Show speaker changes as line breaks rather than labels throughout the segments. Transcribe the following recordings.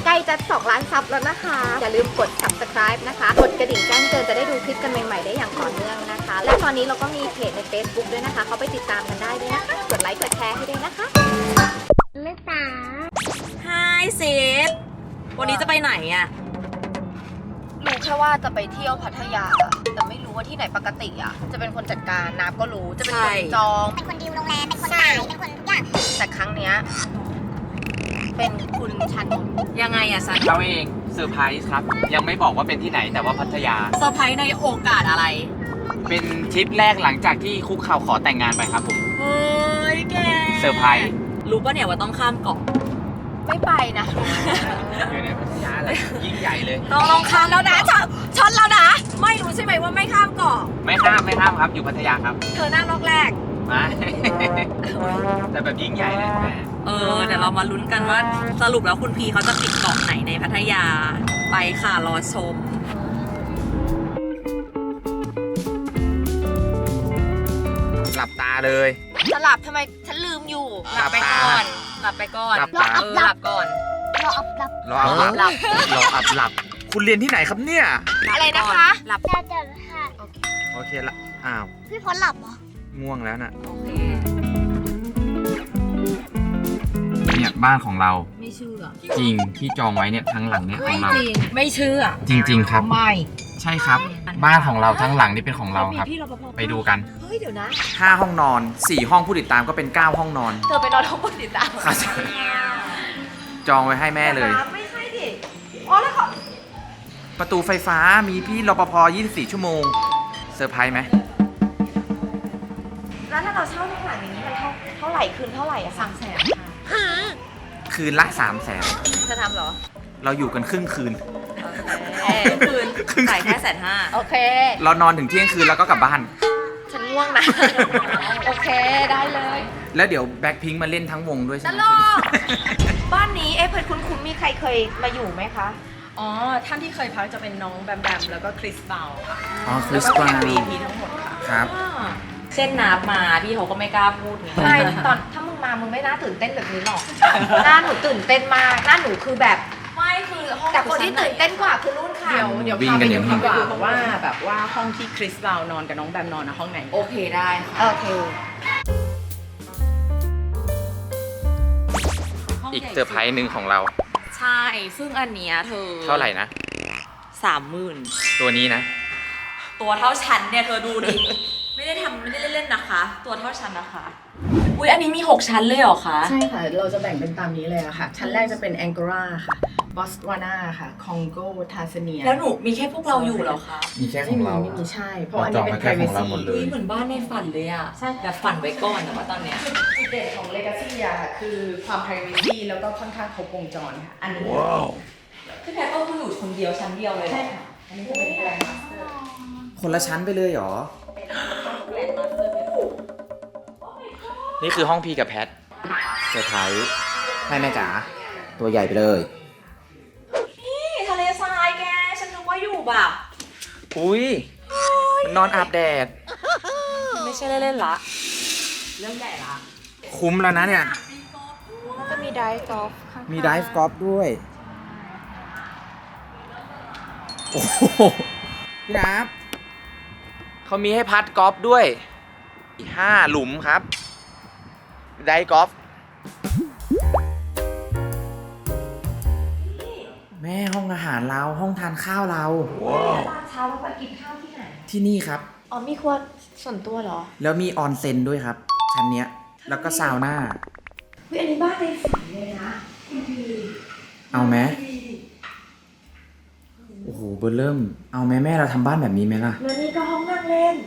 ล้จะ2 ล้านซับแล้วนะคะอย่าลืมกด subscribe นะคะกดกระดิ่งแจ้งเตือนจะได้ดูคลิปกันใหม่ๆได้อย่างต่อเนื่องนะคะและตอนนี้เราก็มีเพจใน Facebook ด้วยนะคะเขาไปติดตามกันได้ด้วยนะคะกดไลค์กดแชร์ให้ด้วยนะคะลูกสาว
Hi เซฟวันนี้จะไปไหนอ่ะ
รู้แค่ว่าจะไปเที่ยวพัทยาแต่ไม่รู้ว่าที่ไหนปกติอ่ะจะเป็นคนจัดการน้ำก็รู้จะเป็นคนจองเป็นคนดีลโรงแรมเป็นคนจ่ายเป็นคนทุกอย่างแต่ครั้งเนี้ยเป็นคุณชันนท์
ยังไงอะซัน
เราเองเซอร์ไพรส์ครับยังไม่บอกว่าเป็นที่ไหนแต่ว่าพัทยา
เซอร์ไพรส์ในโอกาสอะไร
เป็นทริปแรกหลังจากที่คุกเข่าขอแต่งงานไปครับผม
เฮ้ยแก
เซอร์ไพรส์
รู้ป่ะเนี่ยว่าต้องข้ามเกาะ
ไม่ไปนะ
อยู่ในพัทยาเลยยิ่งใหญ่เลย
ต้องข้ามแล้วนะช็อตแล้วนะไม่รู้ใช่ไหมว่าไม่ข้ามเกาะ
ไม่ข้ามครับอยู่พัทยาครับ
เธอนั่งล็อกแรก
มา แต่แบบยิ่งใหญ่เลยแม่
เดี๋ยวเรามาลุ้นกันว่าสรุปแล้วคุณพีเขาจะปิดเกาะไหนในพัทยาไปค่ะรอชม
หลับตาเลย
สลับทำไมฉันลืมอยู่
หลับไปก่อน หลับไปก่อน
หลับตา
หลับก่อน
รออับรับ
รออับหลับ คุณเรียนที่ไหนครับเนี่ย
อะไรนะคะ
หลับ
จะค่ะ
โอเคละอ้าว
พี่พลหลับเหรอ
ง่วงแล้วน่ะ
โอเค
เนี่ยบ้านของเรา
ไม่เชื่อ
จริงที่จองไว้เนี่ยทั้งหลังเนี่ยของเรา
ไม่เชื่อ
จริง ๆ ครับ
ไม่
ใช่ครับ บ้านของเราทั้งหลังนี่เป็นของเราครับ
พี่รปภ
ไปดูกัน
เฮ้ยเดี๋ยวนะ
5 ห้องนอน 4 ห้องผู้ติดตามก็เป็น 9 ห้องนอน
เธอไปนอนท้องบนติดตาม
ครับ จองไว้ให้แม่เลย
ไม่ใช่ดิอ๋อแล้วเขา
ประตูไฟฟ้ามีพี่รปภ24 ชั่วโมงเซอร์ไพรส์ไหม
แล้วถ้าเราเช่าในหลังอย่างนี้มันเท่าไหร่คืนเท่าไหร่อะ300,000ค่ะ
คืนละ 300,000
เธอทำเหรอ
เราอยู่กันครึ่งคืน
คืนจ่ายแค่150,000
โอเค
เรานอนถึงเที่ยงคืนแล้วก็กลับบ้าน
ฉันง่วงนะ โอเคได้เลย
แล้วเดี๋ยวแบ็คพิงค์มาเล่นทั้งวงด้วยใช่
ต
ไหม
ลกบ้านนี้เพื่อนคุณมีใครเคยมาอยู่ไหมคะ
อ๋อ ท่านที่เคยพักจะเป็นน้องแบมแบมแล้วก็คริสเบลค่ะ
อ๋อค
แล้
ริ
ว
ส
ก็
ปา
แขก VIP ทั้งหมดค่ะ
ครับ
เช่นนับมาพี่เขาก็ไม่กล้าพูดไง
ไม่ตอนถ้ามึงมามึงไม่น่าตื่นเต้นแบบนี้หรอก หน้าหนูตื่นเต้นมาก หน้าหนูคือแบบ
ไม่คือห้อง
แต่คนที่ตื่นเต้นกว่าคือรุ่นค่ะ
เดี๋ยว
วิ่ง
พา
กั
ไป
นอย่างนี้
ดูดีกว่าว่าแบบว่าห้องที่คริสเบลนอนกับน้องแบมนอนนะห้องไหน
โอเคได้ค่ะ
โอเค
อีกเซอร์ไพรส์หนึ่งของเรา
ใช่ ซึ่งอันเนี้ยเธอ
เท่าไหร่นะ
30,000
ตัวนี้นะ
ตัวเท่าชั้นเนี่ยเธอดูดิ ไม่ได้เล่นๆนะคะ ตัวเท่าชั้นนะคะ อุ้ยอันนี้มี 6 ชั้นเลยเหรอคะ
ใช่ค่ะ เราจะแบ่งเป็นตามนี้เลยอะค่ะ ชั้นแรกจะเป็นแองโกลาค่ะ บอสวานาค่ะ คองโก ทาซาเนีย
แล้วหนูมีแค่พวกเราอยู่เหรอคะ
มีแค่ข
ไม่
อง
มี
เรา
ไม่มีใช่ เพราะอันนี้เป็น
เราจองไว้แค่ของเรา
privacy
หมดเลย
อุ้ยเหมือนบ้านในฝันเลยอะใช่แบบฝันไว้ก่อนแต่ว่าตอนเนี้ย
จุดเด่นของ Legacy อะค่ะคือความ privacy แล้วก็ค่อนข้างครบวงจรค่ะ อันนี้
พี่แพทก็คืออยู่คนเดียวชั้นเดียวเลยเหรอ
ใช่ค่ะ อันนี้จะเป็นแกรนด์มาสเตอร์
คนละชั้นไปเลยเหรอ นี่คือห้องพีกับแพทเซอร์ไพรส์ให้แม่จ๋าตัวใหญ่ไปเลย
นี่ทะเลทรายแก ฉันนึกว่าอยู่แบบ
อุ้ยมันนอนอาบแดด
ไม่ใช่เล่นๆละ เรื่องใหญ่ละ
คุ้มแล้วนะเนี่ย
ก็มีไดฟ์กอล์ฟข้างๆ
มีไดฟ์กอล์ฟด้วย โอ้โหพี่นับเขามีให้พัดกอล์ฟด้วยอีก5 หลุมครับ ไดฟ์กอล์ฟแม่ห้องอาหารเราห้องทานข้าวเรา
ตอนเช้าเราไปกินข้าวที่ไหน
ที่นี่ครับ
อ๋อมีครัวส่วนตัวเหรอ
แล้วมีออนเซ็นด้วยครับ ชั้นเนี้ย แล้วก็ซาวน่า
เฮ้ยอันนี้บ้านในฝันเลยนะ
เอาไหมโอ้โหเบอร์เริ่ม เอาไหมแม่เราทำบ้านแบบนี้ไหมล่ะ
แล้วนี่ก็ห้องนั่งเล่น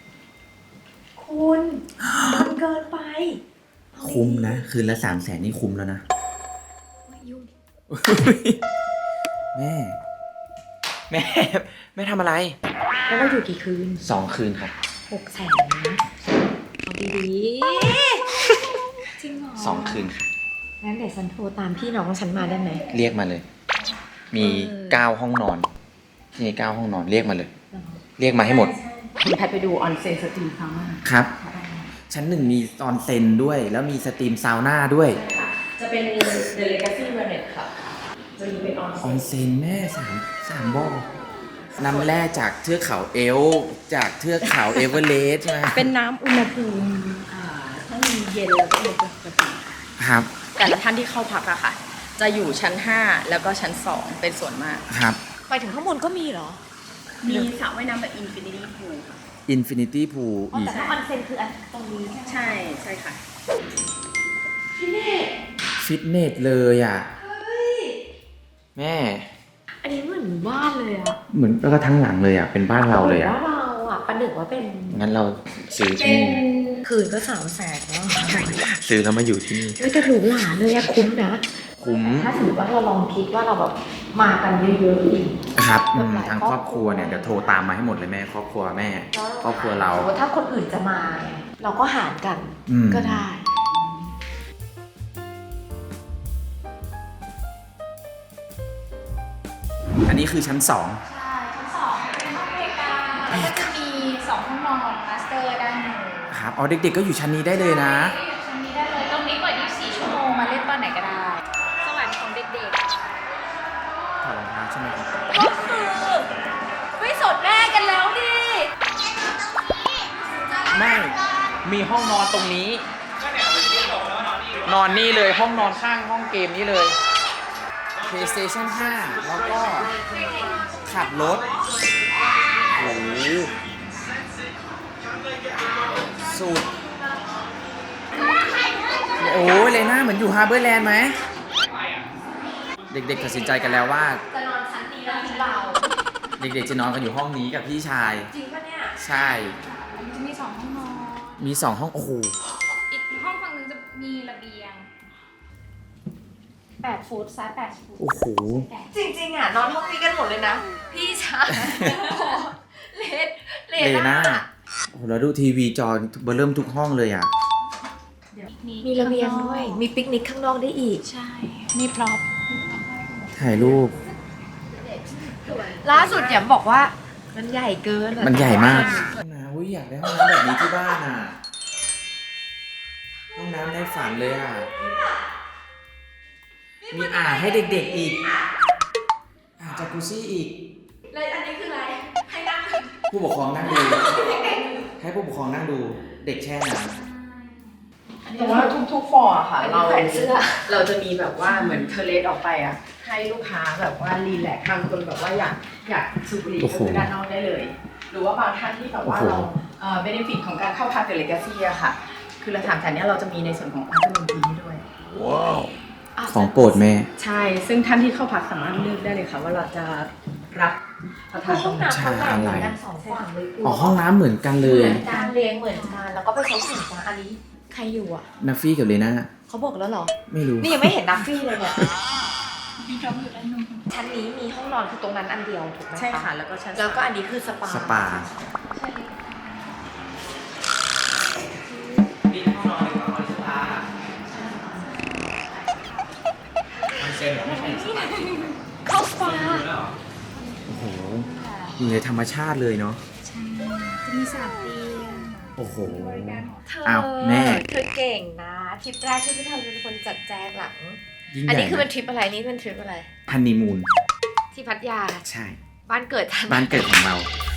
คุณมันเกินไป
คุ้มนะ คืนละ300,000นี่คุ้มแล้วนะ
ยุ่ง
แม่ แม่ แม่ทำอะไร
แล้วเราอยู่กี่คืน
2 คืนครับ
600,000นะเอาดีๆจริงเหรอ
2 คืนค่ะ
งั้นเดี๋ยวฉันโทรตามพี่น้องฉันมาได้ไหม
เรียกมาเลย มี9 ห้องนอนมี9 ห้องนอนเรียกมาเลย เรียกมาให้หมด
คุณแพทไปดูออนเซ็นสตรีมซาวน่า
ครับ ชั้น 1 มีออนเซ็นด้วย แล้วมีสตรีมซาวน่าด้วย
จะเป็น The Legacy Marriott ค่ะ จตัวนี้เป็นออน
ออนเซ็นแม่สามบ่อน้ำแร่จากเทือกเขาเอลป์จากเทือกเขาเอเวอเรสต์ใช่ไหม
เป็นน้ำอุณหภูมิทั้งเย็นแล้วก็เย็นปกติ
ครับ
แต่ละท่านที่เข้าพักอะค่ะ จะอยู่ชั้น 5 แล้วก็ชั้น 2 เป็นส่วนมาก
ครับ
ไปถึงข้างบนก็มีเหรอ
มีสระว่ายน้ำแบบอินฟินิตี้พูลค่ะ
อินฟินิตี้พูลอีก
แต่ถ้าออนเซ็นคืออันตรงนี้ใช่ไหม
ใช่ค่ะ
ฟิตเนสเลยอ่ะแม่
อันนี้เหมือนบ้านเลยอะ
เหมือนแล้วก็ทั้งหลังเลยอ่ะ เป็นบ้านเราเลยอ่ะ
ว่าเราอะประหนึ่งว่าเป็น
งั้นเราซื้อที่นี่
คืนก็300,000แล้ว
ซื้อแล้วมาอยู่ที่นี่
เฮ้ยแต่หรูหราเลยอะคุ้มนะ
คุ้ม
ถ้าสมมติว่าเราลองคิดว่าเราแบบมากันเยอะๆอีก
ครับอืม
หลาย
ทางครอบครัวเนี่ยเดี๋ยวโทรตามมาให้หมดเลยแม่ ครอบครัวแม่ ครอบครัวเรา
สมมติถ้าคนอื่นจะมาเนี่ยเราก็หารกัน
อืม
ก็ได้
อันนี้คือชั้น 2
ใช่ชั้นสองเป็นห้องบริการแล้วก็จะมี2ห้องนอนมาสเตอร์ด้านหนึ่ง
ครับอ๋อเด็กๆก็อยู่ชั้นนี้ได้เลยนะ
ก็อยู่ชั้นนี้ได้เลย ตรงนี้เปิด24 ชั่วโมงมาเล่นตอนไหนก็ได้ สวรรค์ของเด็ก
ถอดรองเท้าใช่ไหมครับ
ก็คือไม่สดแม่กันแล้วดิ
ไม่ มีห้องนอนตรงนี้ นอนนี่เลย ห้องนอนข้างห้องเกมนี้เลย PlayStation 5 แล้วก็ขับรถ โอ้โหสุด โอ้ยเลน่าเหมือนอยู่ฮาร์เบอร์แลนด์ไหม เด็กๆตัดสินใจกันแล้วว่า
จะนอนชั้นนี้แล้วที่เรา
เด็กๆจะนอนกันอยู่ห้องนี้กับพี่ชาย
จริงปะเนี่ย
ใช่
ๆมันจะมี2ห้องนอน
มี 2 ห้อง โอ้โห
อีกห้องฝั่งหนึงจะมีระเบียง8 ฟุตซ้าย8 ฟุต
โอ้โห
จริงๆอ่ะนอนห้องนี้กันหมดเลยนะ พี่ชายเลด
เลน่าโอ้โหแล้วดูทีวีจอเบอร์เริ่มทุกห้องเลยอ่ะ
มีระเบียงด้วย มีปิกนิกข้างนอกได้อีก
ใช่ มีพร็อพ
ถ่ายรูป
ล่าสุดแยมบอกว่ามันใหญ่เกินอะ
มันใหญ่มากนะอุ้ยอยากได้ห้องน้ำแบบนี้ที่บ้านอ่ะ ห้องน้ำในฝันเลยอ่ะ มีอ่างให้เด็กๆอีก อ่างจากกุซี่อีก
เลยอันนี้คืออะไร ให้นั่ง
ผู้ปกครองนั่งดู ให้ผู้ปกครองนั่งดู เด็กแช่น้ำ
แต่ว่าทุกๆฟอร์อะค่ะ
อันนี้แขวนเสื้อ
เราจะมีแบบว่าเหมือนเทเลสออกไปอะให้ลูกค้าแบบว่ารีแลกซ์บางคนแบบว่าอยากสูบบุหรี่ก็คือด้านนอกได้เลย หรือว่าบางท่านที่แบบว่าเราเบนฟิตของการเข้าพักเดอะเลกาซี่อะค่ะ คือเราถามแทนเนี้ยเราจะมีในส่วนของอัลตร้าทีให้ด้วย
ของโปรดแม่
ใช่ ซึ่งท่านที่เข้าพักสามารถเลือกได้เลยค่ะว่าเราจะรับประทานต
ห้
ร
อง
งไหน
น้ำเขาแบ่งเหมือนกัน2ฝั่งเลย
อ๋อห้องน้ำเหมือนกันเลย
เหมือนการเรียงเหมือนกันแล้วก็ไปใช้สินค้าอันนี้ใครอยู่อ่ะ
นัฟฟี่กับเลน่า
เขาบอกแล้วเหรอ
ไม่รู้
นี่ยังไม่เห็นนัฟฟี่เลยเนี่ย
มีพร็อพอยู่ด้านนู้น
ชั้นนี้มีห้องนอนคือตรงนั้นอันเดียวถูกไหม
ใช่ค่ะ แล้วก็ชั้น
แล้วก็อันนี้คือสปา
สปา
ใช่
นี่ห้องนอนหรือห้องนอนสปามันเซ็นไม่ใช่สปา
เข้าสปา
โอ้โหอยู่ในธรรมชาติเลยเนาะ
ใช่จะมี3เตียง
โอ้โห
เธอ
อ้าวแม่
เธอเก่งนะทริปแรกที่พี่ทำเป็นคนจัดแจงหลัง
ยิ่งให
อัน
ญ่
นี้คือเป็น
นะ
ทริปอะไรนี่เป็นทริปอะไร
ฮันนีมูน
ที่พัทยา
ใช่
บ้านเกิดทัน
บ้านเกิดของเรา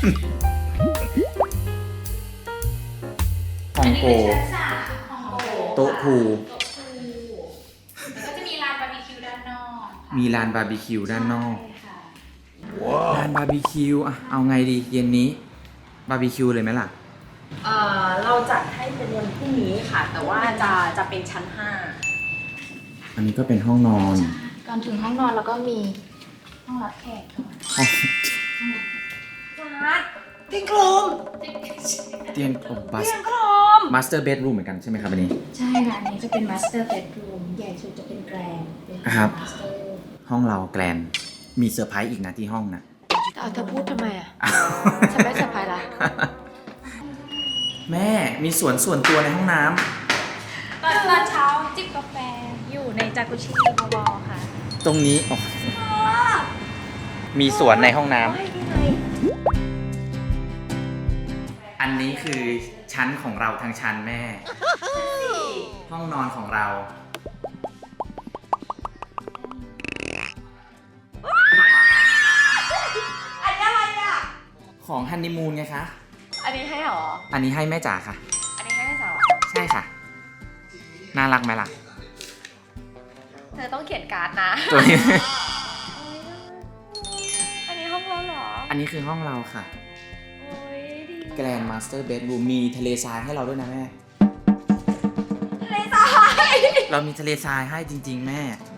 ฮองโก
ชั้น3ของโก
โต๊ะพูล
โต๊ะพูลแล้วก็จะมีลานบาร์บีคิวด้านนอกค่ะ
มีลานบาร์บีคิวด้านนอก
ใช่ค่ะ
ลานบาร์บีคิวอะเอาไงดีเย็นนี้ บาร์บีคิวเลยไหมล่ะ
เราจัดให้เป็นวันพรุ่งนี้ค่ะ แต่ว่าจะเป็นชั้น
อันนี้ก็เป็นห้องนอน
ก่อนถึงห้องนอนแล้วก็มีห้องรับแขกก่อน
ห้อง
จัดติ้งกลม
เตียงโอ้บัส
เตียงกลม
มาสเตอร์เบดรูมเหมือนกันใช่ไหมครับอันนี้
ใช่ค่ะ อันนี้จะเป็น master bedroom ใหญ่สุดจะเป็นแกรนด์เป็น
ครับ
master
ห้องเราแกลนมีเซอร์ไพรส์อีกนะที่ห้องนะ
เอาเธอพูดทำไมอ่ะ ฉันไม่สบายละ
แม่มีสวนส่วนตัวในห้องน้
ตอนเช้าจิบกาแฟอยู่ในจากุชิบอค่ะ
ำตรงนี้อ๋อมีสวนในห้องน้ำ
ไม่ยังไง
อันนี้คือชั้นของเราทางชั้นแม่ ห้องนอนของเราของฮันนีมูนไงคะ
อันนี้ให้หรอ
อันนี้ให้แม่จ๋าค่ะ
อันนี้ให้แม่สาว
ใช่ค่ะ น่ารักไหมล่ะ
เธอต้องเขียนการ์ดนะ
ตัวนี้
อันนี้ห้องเราเหรอ
อันนี้คือห้องเราค่ะ
โอ้ยดี
แกรนด์มาสเตอร์เบดรูมมีทะเลทรายให้เราด้วยนะแม่
ทะเลทราย
เรามีทะเลทรายให้จริง ๆ แม่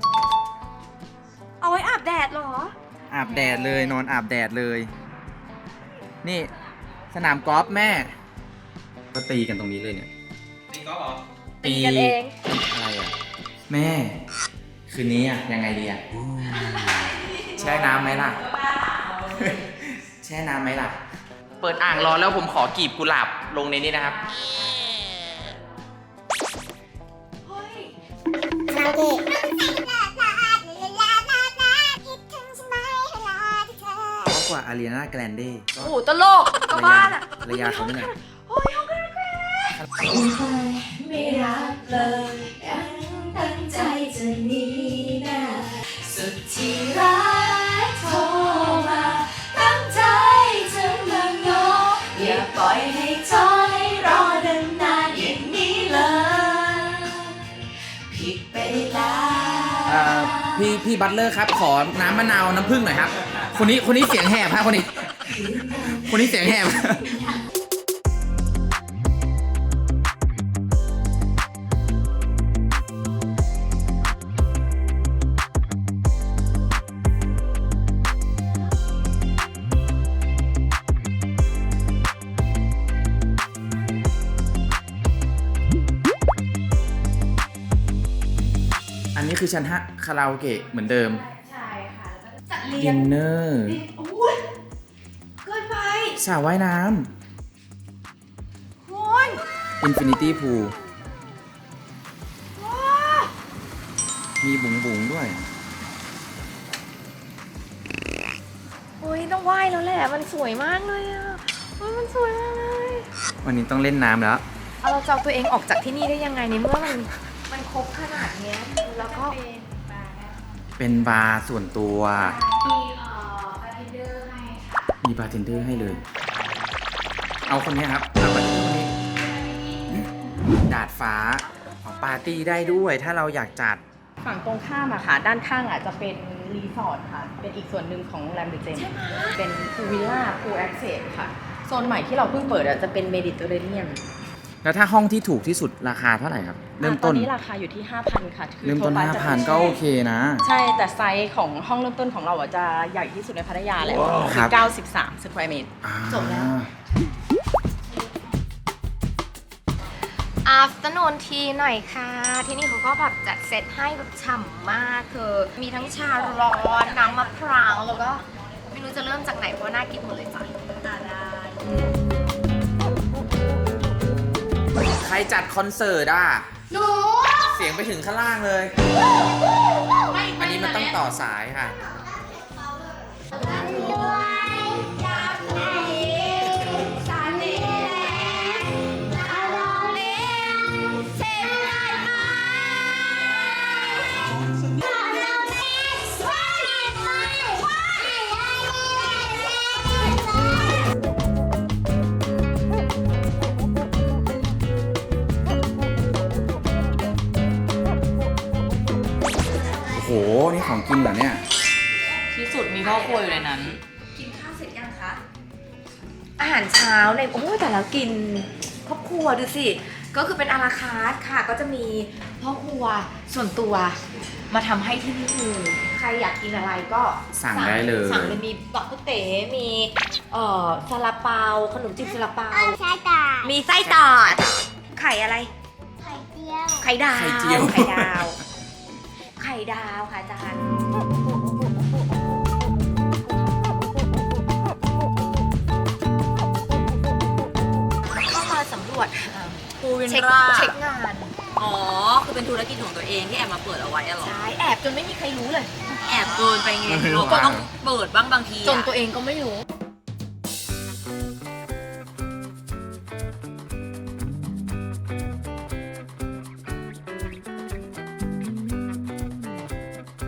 เอาไว้อาบแดดเหรอ
อาบแดดเลยนอนอาบแดดเลย นี่สนามกอล์ฟแม่ ก็ตีกันตรงนี้เลยเนี่ย
ตีกันเอง
อะไรอ่ะ แม่ คืนนี้อ่ะยังไงดีอ่ะแช่น้ำไหมล่ะ แช่น้ำไหมล่ะ เปิดอ่างรอแล้วผมขอกีบกุหลาบลงในนี้นะครับ
เฮ้ย
เพราะกว่าอารีนาแกรนเดก็
โอ้โหตลกก็บ้านอ่ะ
ภรรยาเขานี่แหละ
โอ้ยห้องกันแก
ไม่รักเลยยังตั้งใจจะหนีนะสุดที่รักโทรมาตั้งใจจะมาง้ออย่าปล่อยให้จอยรอนานๆอย่างนี้เลยผิดไปแล้ว
พี่บัตเลอร์ครับ ขอน้ำมะนาวน้ำผึ้งหน่อยครับ คนนี้เสียงแหบครับคนนี้เสียงแหบ อันนี้คือชั้น5คาราโอเกะเหมือนเดิม
ใช่ค่ะจัดเรีย
ดิ
ง
นเนอร์
โอ้ยเกินไป
สระว่ายน้
โอ้ย
ำอินฟินิตี้พูล
ว้า
มีบุ๋งด้วย
โอ้ยต้องไหว้แล้วแหละ มันสวยมากเลยอ่ะโอ้ยมันสวยมากเลย
วันนี้ต้องเล่นน้ำแล้ว
เอาเราจะเอาตัวเองออกจากที่นี่ได้ยังไงในเมื่อมันครบขนาดเนี้ยแล้วก็
เป็นบาร์ส่วนตัว
มีบาร์เทนเดอร์ให้ค่ะ
มีบาร์เทนเดอร์ให้เลย เอาคนนี้ครับ เอาบาร์เทนเดอร์คนนี้ ดาดฟ้าปาร์ตี้ได้ด้วย ถ้าเราอยากจัด
ฝั่งตรงข้ามอะค่ะ ด้านข้างอะจะเป็นรีสอร์ทค่ะ เป็นอีกส่วนหนึ่งของโรงแรมเดอะเจมเป็นพูลวิลล่าพูลแอคเซสค่ะ โซนใหม่ที่เราเพิ่งเปิดอะจะเป็นเมดิเตอร์เรเนียน
แล้วถ้าห้องที่ถูกที่สุดราคาเท่าไหร่ครับ เริ่มต้น
ตอนนี้ราคาอยู่ที่ 5,000 ค่ะคือ
เริ่มต้น
โทรไปจะ
5,000 ก็โอเคนะ
ใช่ แต่ไซส์ของห้องเริ่มต้นของเราอะจะใหญ่ที่สุดในพัทยาแล้ว
ครั
คื
บ
อ93 สแควร์เมตร จบแล้ว
afternoon tea หน่อยค่ะ ที่นี่เขาก็แบบจัดเซตให้แบบฉ่ำมากคือมีทั้งชาร้อนน้ำมะพร้าวแล้วก็ไม่รู้จะเริ่มจากไหนเพราะน่ากินหมดเลยจ้ะ
ใครจัดคอนเสิร์ตอ่ะ เสียงไปถึงข้างล่างเลย อันนี้มันต้องต่อสายค่ะ โอ้โห นี่ของกินเหรอเนี่ย
ที่สุดมีพ่อครัวอยู่ในนั้น
กินข้าวเสร็จยังคะ อาหารเช้าในโอ้ยแต่แล้วกินครอบครัวดูสิ ก็คือเป็นอาราคาร์ทค่ะ ก็จะมีพ่อครัวส่วนตัวมาทำให้ที่นี่เลยใครอยากกินอะไรก็
สั่งได้เลย
สั่งเลยมีบักกุเต๋มีซาลาเปาขนมจีบซาลาเปา
ใช่ตา
มีไส้ตอดไข่อะไร
ไข่เจียว
ไข่ดาว
ไข่เจียว
ไข่ดาว ไข่ดาวค่ะอาจารย์เข้ามาสำรวจ
พูวิน
เช็ค
รา
เช็คงาน
อ๋อ คือเป็นธุรกิจของตัวเองที่แอบมาเปิดเอาไว้อะเหรอ
ใช่แอบจนไม่มีใครรู้เลย
แอบเกินไปไง
ไม่รู้
เราก็ต้อง
ว่า
เปิดบ้างบางที
จน
อะ
ตัวเองก็ไม่รู้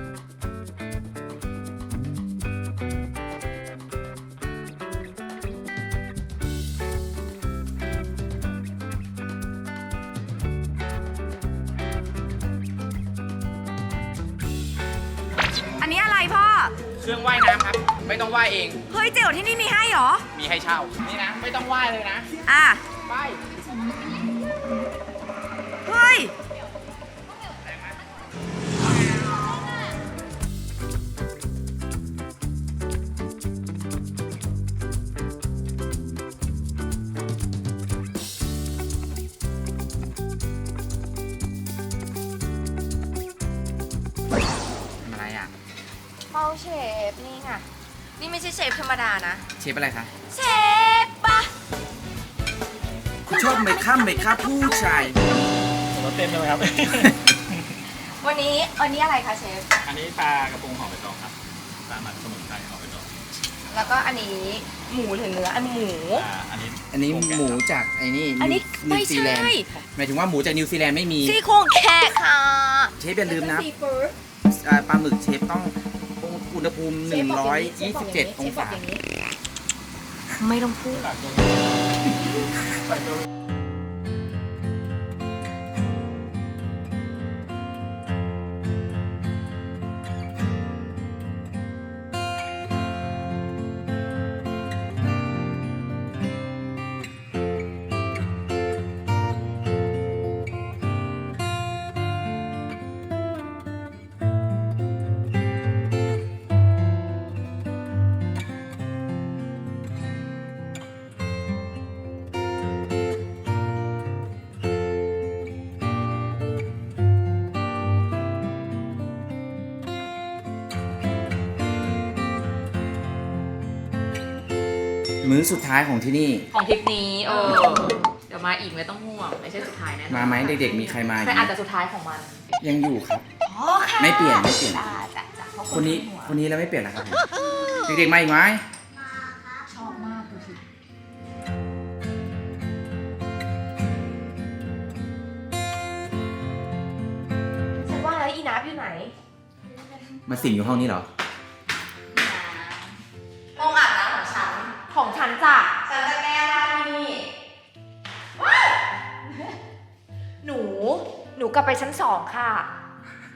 ต
อะไรพ่อ
เครื่องว่ายน้ำครับ ไม่ต้องว่ายเอง
เฮ้ยเจ๋วที่นี่มีให้เหรอ
มีให้เช่า นี่นะ ไม่ต้องว่ายเลยนะ
อ่ะ
ไป
เฮ้ย
ทำอะไรอ่ะ
เป้าเชฟนี่ไงนี่ไม่ใช่เชฟธรรมดานะ
เชฟอะไรคะ
เชฟปะ
คุณชอบไหมครับผู้ชาย
รสเต็มใช่ไหมครับ
วันนี้อะไรคะเชฟ
อันนี้ปลากระพงห่อใบตองครับ ปลาหมักสมุนไพรห่อใบตอง
แล้วก็อันนี้หมูหรือเนื้ออันหมู
อันนี้
อันนี้หมูจากไอ้นี่
อันนี้
นิวซีแลนด์
ไม่ใช่
หมายถึงว่าหมูจากนิวซีแลนด์ไม่มี
ซี่โครงแขกค่ะ
เชฟอย่าลืมนะ
ซีฟู้ด
ปลาหมึกเชฟต้องอุณหภูมิ 127 องศา
ไม่ต้องพูด
มื้อสุดท้ายของที่นี่
ของทริปนี้เดี๋ยวมาอีกไม่ต้องห่วงไม่ใช่สุดท้ายแน่นอน
มาไหมเด็กๆ มีใครมาอีก
แต่
ไหม
อาจจะสุดท้ายของมัน
ยังอยู่ครับ
อ๋อค่ะ
ไม่เปลี่ยน
จ้าจ้าจ้าเพราะ
คนนี้
หัว
คนนี้แล้วไม่เปลี่ยนแล้วครับผมเด็กๆ มาอีกไหม
ชอบมากดูสิ
ฉันว่าแล้วอีนับอยู่ไหน
มาสิงอยู่ห้องนี้เหรอ
ห้องอาบน้ำของฉัน ของฉันจ้ะฉันจะแก้ผ้าที่นี่ว้ายหนูกลับไปชั้น 2 ค่ะ